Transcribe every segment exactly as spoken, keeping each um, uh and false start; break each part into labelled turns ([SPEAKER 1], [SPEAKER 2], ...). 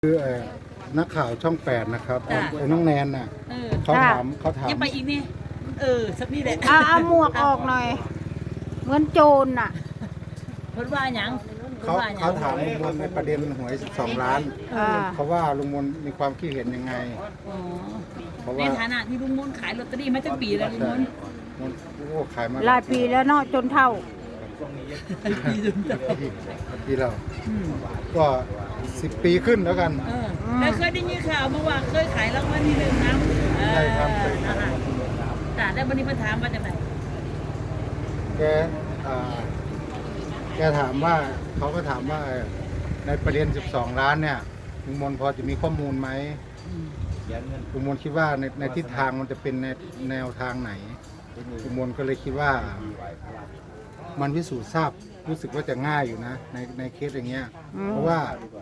[SPEAKER 1] คือนักข่าวช่องแปดนะครับไอ้น้องแนนน่ะเขาถามเขาถาม
[SPEAKER 2] ยังไปอีกนี่เออสักนี่แหละ
[SPEAKER 3] เอาเอาหมวกออกหน่อยเหมือนโจรน่ะ
[SPEAKER 2] เพิ่นว่าหยัง
[SPEAKER 1] เขาเขาถามลุงมนในประเด็นหวยสิบสองล้านเขาว่าลุงมนมีความคิดเห็นยังไง
[SPEAKER 2] ในฐานะที่ลุงมนขายลอตเตอรี่มาตั้งปีแล้วลุงมน
[SPEAKER 1] มนโอ้ขายมา
[SPEAKER 3] หลายปีแล้วเนาะจนเท่า
[SPEAKER 2] ปีจนเท่า
[SPEAKER 1] ปีแล้วก็สิบปีขึ้นแล้วกัน
[SPEAKER 2] แล้วเคยได้ยินข่าวมาว่าเคยขายรางวัลที่หนึ่งนะ
[SPEAKER 1] ใช่ครับ
[SPEAKER 2] แต่ได้วันนี้มาถามว่าจากไหน
[SPEAKER 1] แกแกถามว่าเขาก็ถามว่าในประเด็นสิบสองล้านเนี่ยลุงมนพอจะมีข้อมูลไหมลุงมนคิดว่าในในทิศทางมันจะเป็นในแนวทางไหนลุงมนก็เลยคิดว่ามันพิสูจน์ทราบรู้สึกว่าจะง่ายอยู่นะในในเคสอย่างเงี้ยเพราะว่า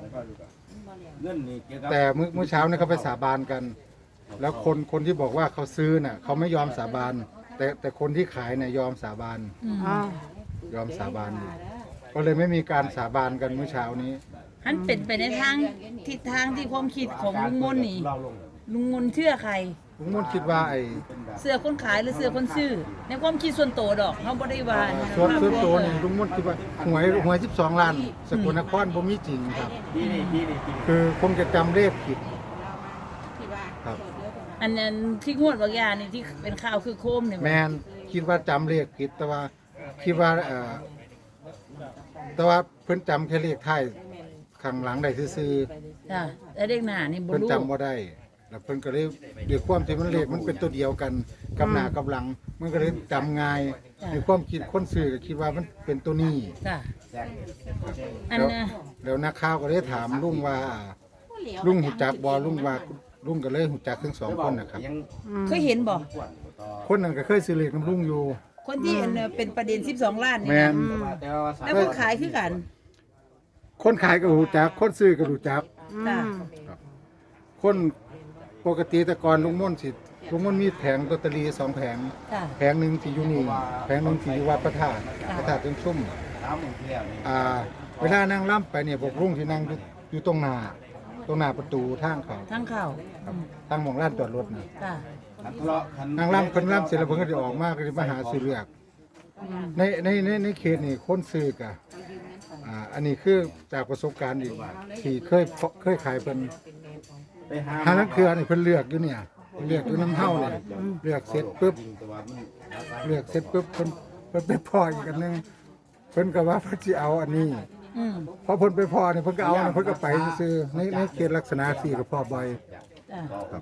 [SPEAKER 1] แต่เมื่อเมื่อเช้าเนี่ยเขาไปสาบานกันแล้วคนคนที่บอกว่าเขาซื้อน่ะเขาไม่ยอมสาบานแต่แต่คนที่ขายเนี่ยยอมสาบานยอมสาบานก็เลยไม่มีการสาบานกันเมื่อเช้านี้
[SPEAKER 2] ท่านเป็นไปในทางทิศทางที่ความคิดของลุงมนนี่ลุงมนเชื่อใคร
[SPEAKER 1] ลุงมนคิดว่าไอ้
[SPEAKER 2] เสื้อคนขายหรือเสื้อคนซื้อในความคิดส่วนตัวดอกเขาบ่ได้ว่า
[SPEAKER 1] ส่วนส่วนตัวนี่ลุงมนคิดว่าหวยหวยสิบสองล้านสกลนครบ่มีจริงครับคือคงจะจำเลขผิด
[SPEAKER 2] ครับอันนั้นที่งวดบางอย่างนี่ที่เป็นข่าวคือโคมเนี่ย
[SPEAKER 1] แมนคิดว่าจำเลขผิดแต่ว่าคิดว่าเอ่อแต่ว่าเพิ่นจำแค่เลขท้ายข้างหลังได้ซื่อ
[SPEAKER 2] ๆจ้ะแต่เลขหน้านี่บ่รู้
[SPEAKER 1] เพิ่นจำบ่ได้แล้วเพิ่นก็เลยด้วยความที่มันเลขมันเป็นตัวเดียวกันกับหน้ากับหลังมันก็เลยจำง่ายในความคิดคนซื้อก็คิดว่ามันเป็นตัวนี้
[SPEAKER 2] จ้ะอันน่ะ
[SPEAKER 1] แล้วนักข่าวก็เลยถามลุงว่าลุงหูจักบ่ลุงว่าลุงก็เลยหูจักทั้งสองคนนะครับ
[SPEAKER 2] เคยเห็นบ่
[SPEAKER 1] คนนั้นก็เคยซื้อเลขน้ำลุงอยู่
[SPEAKER 2] คนที่เป็นประเด็นสิบสองล้านนี่แล้วคนขายคือกัน
[SPEAKER 1] คนขายก็หูจักคนซื้อก็หูจักคนปกติแต่ก่อนลุงม่นสิลุงม่นมีแผงลอตเตอรี่สองแผงแผงหนึ่งที่อยู่นี่แผงหนึ่งที่อยู่วัดพระธาตุพระธาตุจังชุ่มอ่าเวลานั่งล่ำไปเนี่ยพวกลุงที่นั่งอยู่ตรงหน้าตรงหน้าประตูทางเขา
[SPEAKER 2] ทางเข้า
[SPEAKER 1] ทางมองร้านจอดรถนะนั่งล่ำคนล่ำเสร็จแล้วเพิ่งก็จะออกมาก็จะมาหาซื้อเลือกในในในในเขตนี่คนซื้อกะอ่าอันนี้คือจากประสบการณ์อีกที่เคยเคยขายเป็นหานักเครือนี่เพิ่นเลือกอยู่เนี่ยเลือกอยู่น้ำเท่าเลยเลือกเสร็จปุ๊บเลือกเสร็จปุ๊บเพิ่นเพิ่นไปพออีกอันนึงเพิ่นก็ว่าเพิ่นสิเอาอันนี้พอเพิ่นไปพอเนี่ยเพิ่นก็เอาเพิ่นก็ไปซื้อในในเขตลักษณะสี่ก็พอบ่อยครับ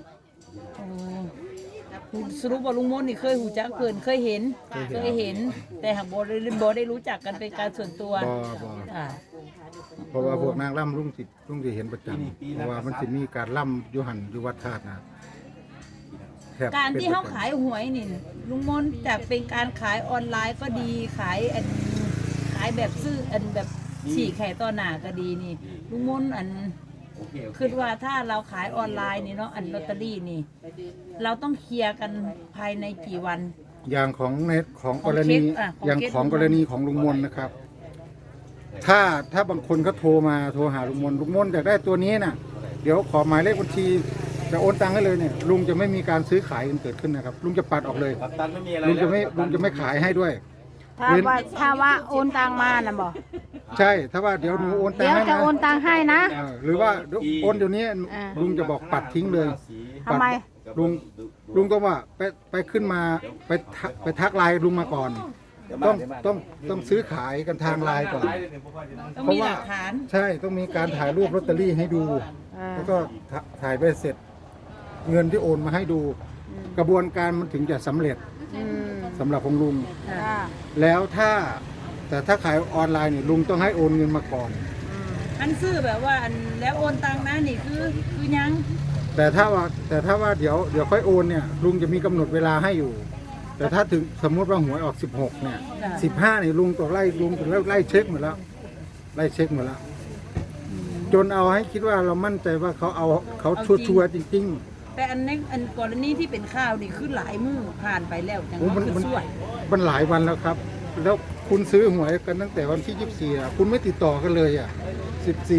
[SPEAKER 2] สรุปว่าลุงมนนี่เคยหูจักเพิ่นเคยเห็นเคยเห็นแต่หากบ่ได้บ่ได้รู้จักกันเป็นการส่วนตัว
[SPEAKER 1] บ่บ่เพราะว่าพวกนางล่ำลุงสิลุงสิเห็นประจำเพราะว่ามันสิมีการล่ำอยู่หันอยู่วัดธาตุนะ
[SPEAKER 2] การที่เขาขายหวยนี่ลุงมนจากเป็นการขายออนไลน์ก็ดีขายอันขายแบบซื้ออันแบบฉีกไข่ต่อหน้าก็ดีนี่ลุงมนอันคือว่าถ้าเราขายออนไลน์นี่เนาะอันลอตเตอรี่นี่เราต้องเคลียร์กันภายในกี่วัน
[SPEAKER 1] อย่างของเน็ตของกรณีอย่างของกรณีของลุงมนนะครับถ้าถ้าบางคนก็โทรมาโทรหาลุงมนลุงมนอยากได้ตัวนี้น่ะเดี๋ยวขอหมายเลขบัญชีจะโอนตังค์ให้เลยเนี่ยลุงจะไม่มีการซื้อขายกันเกิดขึ้นนะครับลุงจะปัดออกเลยลุงจะไม่ลุงจะไม่ขายให้ด้วย
[SPEAKER 3] ถ้าว่าถ้าว่าโอนตังมานะบอก
[SPEAKER 1] ใช่ถ้าว่าเดี๋ยวหนูโอนตังค์ให้
[SPEAKER 3] นะเดี๋ยวจะโอนตังค์ให้นะ
[SPEAKER 1] หรือว่าโอนเดี๋ยวนี้ลุงจะบอกปัดทิ้งเลย
[SPEAKER 3] ทำไม
[SPEAKER 1] ลุงลุงต้องว่าไปไปขึ้นมาไปไปทักไลน์ลุงมาก่อนต้องต้องต้องซื้อขายกันทางไลน์ก่อน
[SPEAKER 2] เพราะว่า
[SPEAKER 1] ใช่ต้องมีการถ่ายรูปลอตเตอรี่ให้ดูแล้วก็ถ่ายไปเสร็จเงินที่โอนมาให้ดูกระบวนการมันถึงจะสำเร็จสำหรับของลุงแล้วถ้าแต่ถ้าขายออนไลน์นี่ลุงต้องให้โอนเงินมาก่อน
[SPEAKER 2] อันซื้อแบบว่าอันแล้วโอนตังค์นะนี่คือคือยัง
[SPEAKER 1] แต่ถ้าว่าแต่ถ้าว่าเดี๋ยวเดี๋ยวค่อยโอนเนี่ยลุงจะมีกำหนดเวลาให้อยู่แต่ถ้าถึงสมมติว่าหวยออกสิบหกเนี่ยสิบห้าเนี่ยลุงตัวไล่ลุงตัวไล่เช็คหมดแล้วไล่เช็คหมดแล้วจนเอาให้คิดว่าเรามั่นใจว่าเขาเอาเขาชัวร์จริงๆ
[SPEAKER 2] แต่อันนี้อันกรณีที่เป็นข้าวนี่คือหลายมื้อผ่านไปแล้วจัง
[SPEAKER 1] ว่าคือสวยมันหลายวันแล้วครับแล้วคุณซื้อหวยกันตั้งแต่วันที่ยี่สิบสี่อ่ะคุณไม่ติดต่อกันเลยอ่ะสิบสี่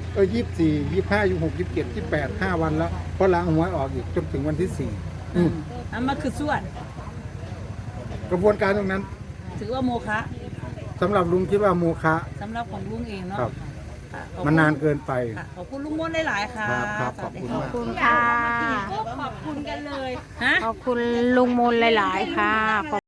[SPEAKER 1] เออยี่สิบสี่ยี่สิบห้ายี่สิบหกยี่สิบเจ็ดยี่สิบแปดห้าวันแล้วเพราะล้างหวยออกอีกจนถึงวันที่สี่อืม
[SPEAKER 2] อันมาคือส่วน
[SPEAKER 1] กระบวนการตรงนั้น
[SPEAKER 2] ถือว่าโมฆะ
[SPEAKER 1] สำหรับลุงคิดว่าโมฆะ
[SPEAKER 2] สำหรับของลุงเองเนาะ
[SPEAKER 1] ครับ
[SPEAKER 2] ค่ะขอบคุณ
[SPEAKER 1] มันนานเกินไป
[SPEAKER 2] ค่ะขอบคุณลุงมนต์หลายๆค่ะ
[SPEAKER 1] ครับครับขอบคุณ
[SPEAKER 2] สวัสดี
[SPEAKER 1] มาก
[SPEAKER 3] ขอบคุณค่ะ
[SPEAKER 2] ขอบคุณกันเลยฮะ
[SPEAKER 3] ขอบคุณลุงมนต์หลาย ๆ ค่ะ